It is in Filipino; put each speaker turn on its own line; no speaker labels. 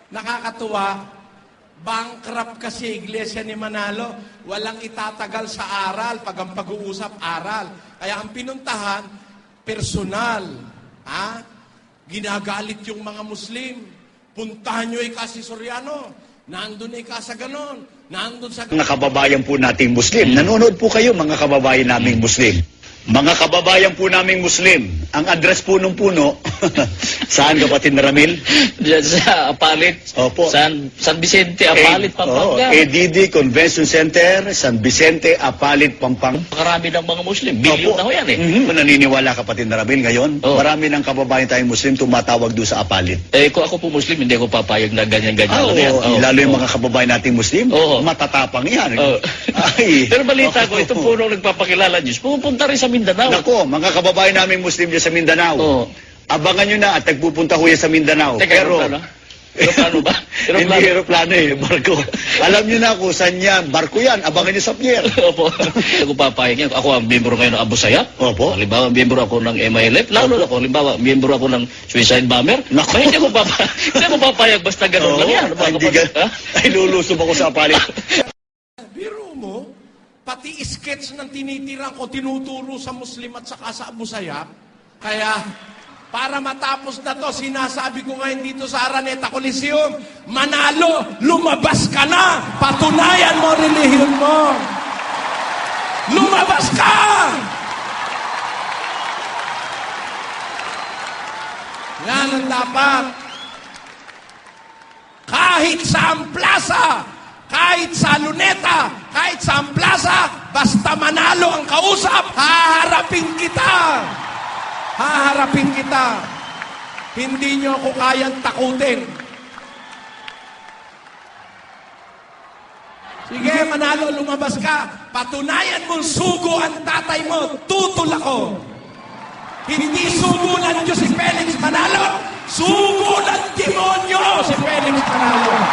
Nakakatuwa, bankrupt kasi Iglesia ni Manalo. Walang itatagal sa aral pag ang pag-uusap aral. Kaya ang pinuntahan, personal. Ginagalit yung mga Muslim. Puntahan nyo Kasi Soriano. Nandun sa ganon. Nandun sa
Mga kababayan po nating Muslim. Nanonood po kayo, mga kababayan naming Muslim. Mga kababayan po naming Muslim, ang address po nung puno, saan kapatid na Ramil?
Diyan sa Apalit.
Opo.
San Vicente, Apalit, Pampanga.
EDD Convention Center, San Vicente, Apalit, Pampanga.
Karami ng mga Muslim. Bilyon na ho yan
Naniniwala kapatid na Ramil ngayon, marami ng kababayan tayong Muslim tumatawag doon sa Apalit.
Kung ako po Muslim, hindi ako papayag na ganyan-ganyan.
Lalo yung mga kababayan nating Muslim, matatapang yan.
Ay. Pero balita ko, itong punong nagpapakilala Diyos, pupunta rin sa Mindanao.
Nako, mga kababayan namin Muslim dyan sa Mindanao. Abangan nyo na at nagpupunta ko yan sa Mindanao.
Pero, aeroplano ba?
Hindi aeroplano barko. Alam nyo na kung saan yan. Barko yan, abangan nyo sa pier.
Opo. Ako papayag yan. Ako ang miyembro ngayon ng Abu Sayyaf.
Opo.
Halimbawa, miyembro ako ng MILF. Lalo na ako, halimbawa, miyembro ako ng Suicide Bomber.
Nako.
Hindi ako papayag basta gano'n lang yan.
Ay, lulusob ako sa Apalit.
biro mo, pati sketch ng tinitirang ko tinuturo sa Muslim at saka sa Abu Sayyaf. Kaya, para matapos na to, sinasabi ko ngayon dito sa Araneta Coliseum, Manalo, lumabas ka na! Patunayan mo relihiyon mo! Lumabas ka! Yan ang dapat. Kahit sa plaza, kahit sa luneta, kahit sa plaza, basta Manalo ang kausap, haharapin kita. Haharapin kita. Hindi nyo ako kayang takutin. Sige, Manalo, lumabas ka. Patunayan mong sugo ang tatay mo. Tutol ako. Hindi sugo ng Diyos si Felix Manalo. Sugo ng demonyo si Felix Manalo.